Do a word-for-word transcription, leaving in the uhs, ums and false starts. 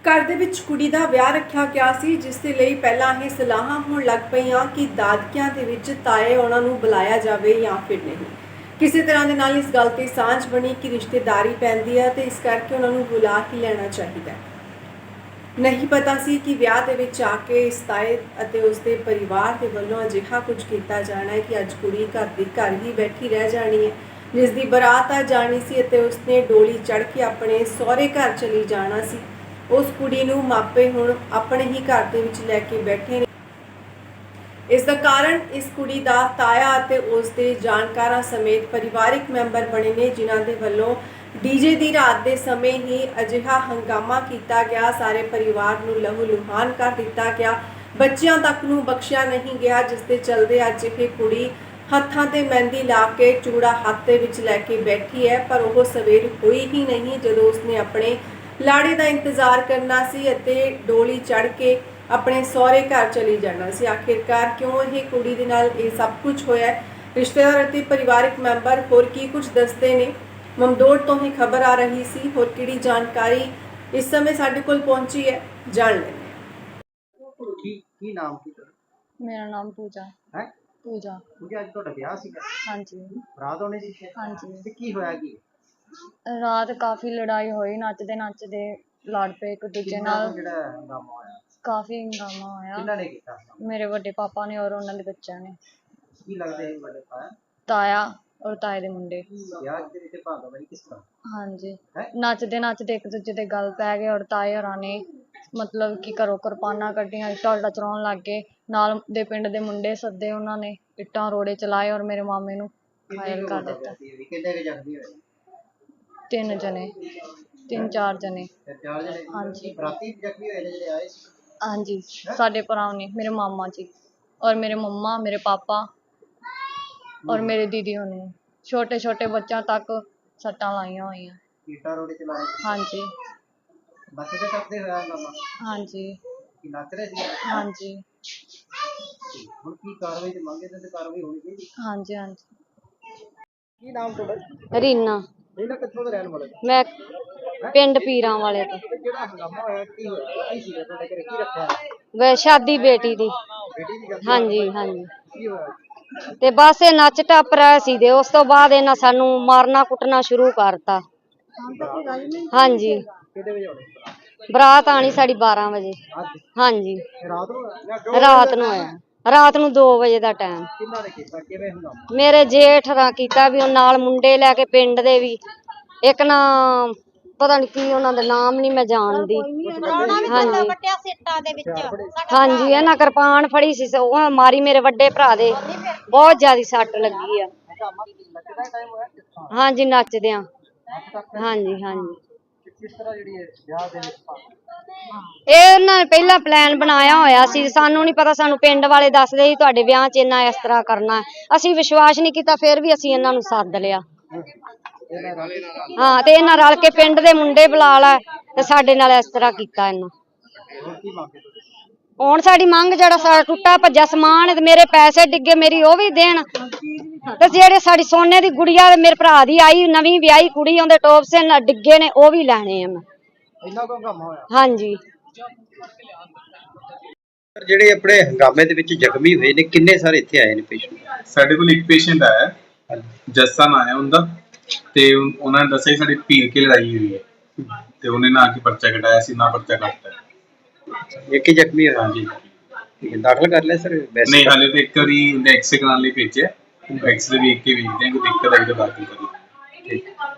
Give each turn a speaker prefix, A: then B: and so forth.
A: घर ਦੇ ਵਿੱਚ ਕੁੜੀ ਦਾ ਵਿਆਹ ਰੱਖਿਆ ਗਿਆ ਸੀ, ਜਿਸ ਦੇ ਲਈ ਪਹਿਲਾਂ ਇਹ ਸਲਾਹਾਂ ਹੋਣ ਲੱਗ ਪਈਆਂ ਕਿ ਦਾਦਕਿਆਂ ਦੇ ਵਿੱਚ ਤਾਏ ਉਹਨਾਂ ਨੂੰ ਬੁਲਾਇਆ ਜਾਵੇ ਜਾਂ ਫਿਰ ਨਹੀਂ। ਕਿਸੇ ਤਰ੍ਹਾਂ ਦੇ ਨਾਲ ਇਸ ਗੱਲ ਤੇ ਸਾਂਝ ਬਣੀ ਕਿ ਰਿਸ਼ਤੇਦਾਰੀ ਪੈਂਦੀ ਹੈ ਤੇ ਇਸ ਕਰਕੇ ਉਹਨਾਂ ਨੂੰ ਬੁਲਾ ਕੇ ਲੈਣਾ ਚਾਹੀਦਾ ਹੈ। नहीं पता सी कि विआह दे विच आके इस ताए अते उसके परिवार के वल्लों अजिहा कुछ किया जाना है कि अज कुड़ी घर दी घर ही बैठी रह जानी है, जिसकी बरात आ जानी सी अते उसने डोली चढ़ के अपने सहुरे घर चली जाना सी। उस कुड़ी नूं मापे हुण अपने ही घर दे विच लैके बैठे ने। इसका कारण इस कुड़ी दा ताया अते उसके जानकारां समेत परिवारिक मैंबर बने ने, जिन्हां दे वल्लों डीजे दी रात के समय ही अजिहा हंगामा किया गया। सारे परिवार नूं लहू लुहान कर दिता गया, बच्चियां तक नूं बख्शिया नहीं गया, जिसके चलते अज ये कुड़ी हत्थां ते मेहंदी ला के चूड़ा हाथ दे विच लैके बैठी है, पर वह सवेर हुई ही नहीं जदों उसने अपने लाड़े का इंतजार करना सी अते डोली चढ़ के अपने सहुरे घर चली जाना सी। आखिरकार क्यों ये कुड़ी दे नाल ये सब कुछ होया है, रिश्तेदार अते परिवारिक मैंबर होर की कुछ दसदे ने। ममदोड़ तो ही खबर आ रही सी, होर किहड़ी जानकारी इस समय साडे कोल पहुंची है, जान लेंगे।
B: की की नाम की?
C: मेरा नाम पूजा
B: है।
C: पूजा
B: पूजा आज ਤੁਹਾਡਾ ਵਿਆਹ ਸੀਗਾ?
C: हाँ जी
B: ਰਾਤ ਹੋਣੀ ਸੀ?
C: हाँ जी।
B: ਤੇ ਕੀ ਹੋਇਆ ਕੀ?
C: रात काफी लड़ाई हुई, नचदे नचदे लड़ पे एक दूजे
B: ਕਿੰਨਾ
C: नाल,
B: ਕੁ ਜਿਹੜਾ ਹੰਗਾਮਾ ਹੋਇਆ?
C: काफी हंगामा होया।
B: ਕਿੰਨਾ ਨੇ ਕੀਤਾ?
C: मेरे बड़े पापा ने और उन्होंने बच्चों ने,
B: ਕੀ ਲੱਗਦੇ ਸੀ ਵੱਡੇ ਪਾਇਆ?
C: ताया और ताए दे मुंडे।
B: ਵਿਆਹ ਦੇ ਵਿੱਚ ਭਾਗਾ ਬਈ ਕਿਸ ਤਰ੍ਹਾਂ?
C: हाँ जी,
B: है?
C: नचदे नचदे एक दूजे दे गल पै गए और ताए होरां ने मतलब कि घरों किरपानां कड्ढियां, इट्टां उट्टां चलाउण लग गए। नाल दे पिंड दे मुंडे सद्दे, उन्हां ने इट्टां रोड़े चलाए और मेरे मामे नूं घायल कर दित्ता।
B: ਕਿੰਨੇ ਕੁ ਜ਼ਖਮੀ ਹੋਏ?
C: तीन जने तीन चार जने।
B: ਤੇ ਚਾਰ ਜਣੇ?
C: हाँ जी
B: ਰਾਤੀ ਜ਼ਖਮੀ ਹੋਏ ਨੇ ਜਿਹੜੇ ਆਏ ਸੀ?
C: हाँ जी, साडे भरा ने, मेरे मामा जी और मेरे मम्मा, मेरे पापा और मेरे दीदी होने, छोटे छोटे बच्चों तक सट्टां लाइयां हुई।
B: ईटा रोड चलाए?
C: हाँ जी
B: ਨੱਚਦੇ ਟੱਪਦੇ ਹੋਇਆ ਹੰਗਾਮਾ?
C: हाँ जी
B: ਕੀ ਨੱਚ ਰਹੇ ਸੀ?
C: हाँ जी
B: ਹੁਣ ਕੀ ਕਾਰਵਾਈ ਤੇ ਮੰਗੇ ਤੇ ਕਾਰਵਾਈ ਹੋਣੀ ਚਾਹੀਦੀ?
C: हाँ जी हाँ जी।
B: ਕੀ ਨਾਮ ਤੁਹਾਡਾ?
C: रीना,
B: ਇਹਨਾਂ ਕਿੱਥੋਂ ਦੇ ਰਹਿਣ ਵਾਲੇ?
C: मैं पिंड पीरां वाले तो।
B: ਤੇ ਜਿਹੜਾ ਹੰਗਾਮਾ ਹੋਇਆ ਕੀ ਹੋਇਆ? ਕੀ ਸੀਗਾ ਤੁਹਾਡੇ ਘਰੇ? ਕੀ ਰੱਖਿਆ?
C: वे शादी बेटी दी।
B: ਬੇਟੀ ਦੀ ਗੱਲ?
C: हाँ जी हाँ जी।
B: ਕੀ ਹੋਇਆ?
C: ਤੇ ਬਸ ਇਹ ਨੱਚ ਟੱਪ ਰਹੇ ਸੀ ਤੇ ਉਸ ਤੋਂ ਬਾਅਦ ਇਹਨਾਂ ਸਾਨੂੰ ਮਾਰਨਾ ਕੁੱਟਣਾ ਸ਼ੁਰੂ ਕਰਤਾ। ਹਾਂਜੀ,
B: ਕਿਹਦੇ ਵਜੇ ਹੋਣੇ?
C: ਬਰਾਤ ਆਣੀ ਸਾਡੀ ਬਾਰਾਂ ਵਜੇ।
B: ਅੱਜ
C: ਹਾਂਜੀ,
B: ਰਾਤ ਨੂੰ ਹੋਇਆ?
C: ਰਾਤ ਨੂੰ ਆਇਆ, ਰਾਤ ਨੂੰ ਦੋ ਵਜੇ ਦਾ ਟਾਈਮ।
B: ਕਿੰਨਾ ਨੇ ਕੀਤਾ? ਕਿਵੇਂ ਹੰਗਾਮਾ?
C: ਮੇਰੇ ਜੇਠ ਰਾਂ ਕੀਤਾ ਵੀ ਉਹ ਨਾਲ ਮੁੰਡੇ ਲੈ ਕੇ ਪਿੰਡ ਦੇ ਵੀ, ਇੱਕ ਨਾ ਪਤਾ ਨਹੀਂ ਕੀ ਉਹਨਾਂ ਦਾ ਨਾਮ ਨਹੀਂ ਮੈਂ ਜਾਣਦੀ। ਹਾਂਜੀ ਹਾਂਜੀ, ਇਹਨਾਂ ਕਿਰਪਾਨ ਫੜੀ ਸੀ, ਉਹ ਮਾਰੀ ਮੇਰੇ ਵੱਡੇ ਭਰਾ ਦੇ, ਬਹੁਤ ਜ਼ਿਆਦਾ ਸੱਟ ਲੱਗੀ ਆ। ਹਾਂਜੀ, ਨੱਚਦਿਆਂ। ਹਾਂਜੀ ਹਾਂਜੀ।
B: ਕਿਸ ਤਰ੍ਹਾਂ ਜਿਹੜੀ ਵਿਆਹ ਦੇ ਵਿੱਚ
C: ਇਹ ਉਹਨਾਂ ਨੇ ਪਹਿਲਾਂ ਪਲਾਨ ਬਣਾਇਆ ਹੋਇਆ ਸੀ, ਸਾਨੂੰ ਨਹੀਂ ਪਤਾ, ਸਾਨੂੰ ਪਿੰਡ ਵਾਲੇ ਦੱਸਦੇ ਸੀ ਤੁਹਾਡੇ ਵਿਆਹ 'ਚ ਇਹਨਾਂ ਇਸ ਤਰ੍ਹਾਂ ਕਰਨਾ। ਅਸੀਂ ਵਿਸ਼ਵਾਸ ਨਹੀਂ ਕੀਤਾ, ਫਿਰ ਵੀ ਅਸੀਂ ਇਹਨਾਂ ਨੂੰ ਸੱਦ ਲਿਆ। ਹਾਂ, ਤੇ ਇਹਨਾਂ ਰਲ ਕੇ ਪਿੰਡ ਦੇ ਮੁੰਡੇ ਬੁਲਾ ਲੈ ਤੇ ਸਾਡੇ ਨਾਲ ਇਸ ਤਰ੍ਹਾਂ ਕੀਤਾ ਇਹਨਾਂ। ਹੁਣ ਸਾਡੀ ਮੰਗ ਜਿਹੜਾ ਸਾਡਾ ਟੁੱਟਾ ਭੱਜਾ ਸਮਾਨ ਤੇ ਮੇਰੇ ਪੈਸੇ ਡਿੱਗੇ, ਮੇਰੀ ਉਹ ਵੀ ਦੇਣ, ਤੇ ਜਿਹੜੇ ਸਾਡੀ ਸੋਨੇ ਦੀ ਗੁੜੀਆ ਮੇਰੇ ਭਰਾ ਦੀ ਆਈ ਨਵੀਂ ਵਿਆਹੀ ਕੁੜੀ, ਉਹਦੇ ਟੋਪਸੇ ਡਿੱਗੇ ਨੇ, ਉਹ ਵੀ ਲੈਣੇ ਆ ਮੈਂ। ਹਾਂਜੀ,
B: ਜਿਹੜੇ ਆਪਣੇ ਹੰਗਾਮੇ ਦੇ ਵਿੱਚ ਜ਼ਖਮੀ ਹੋਏ ਨੇ ਕਿੰਨੇ ਸਾਰੇ ਇੱਥੇ ਆਏ ਨੇ ਪੇਸ਼ੈਂਟ?
D: ਸਾਡੇ ਕੋਲ ਇੱਕ ਪੇਸ਼ੈਂਟ ਆਇਆ, ਜੱਸਾ ਨਾਂ ਹੈ ਉਹਦਾ, ਤੇ ਉਹਨਾਂ ਨੇ ਦੱਸਿਆ ਸਾਡੀ ਭੀੜ ਕੇ ਲੜਾਈ ਹੋਈ ਹੈ ਤੇ ਉਹਨੇ ਨਾ ਕੀ ਪਰਚਾ ਕਟਾਇਆ ਸੀ, ਨਾ ਪਰਚਾ ਕੱਟਤਾ।
B: ਇੱਕ ਹੀ ਜ਼ਖਮੀ ਹੋਇਆ?
D: ਹਾਂਜੀ,
B: ਦਾਖਲ ਕਰ ਲਿਆ ਸਰ?
D: ਨਹੀਂ ਹਾਲੇ ਤੇ ਇੱਕ ਵਾਰੀ ਐਕਸਰੇ ਕਰਾਉਣ ਲਈ ਭੇਜਿਆ, ਐਕਸਰੇ ਵੇਖ ਕੇ ਵੇਖਦੇ ਹਾਂ ਕੋਈ ਦਿੱਕਤ ਆਈ ਤਾਂ ਦਾਖਲ ਕਰੀਏ। ਠੀਕ।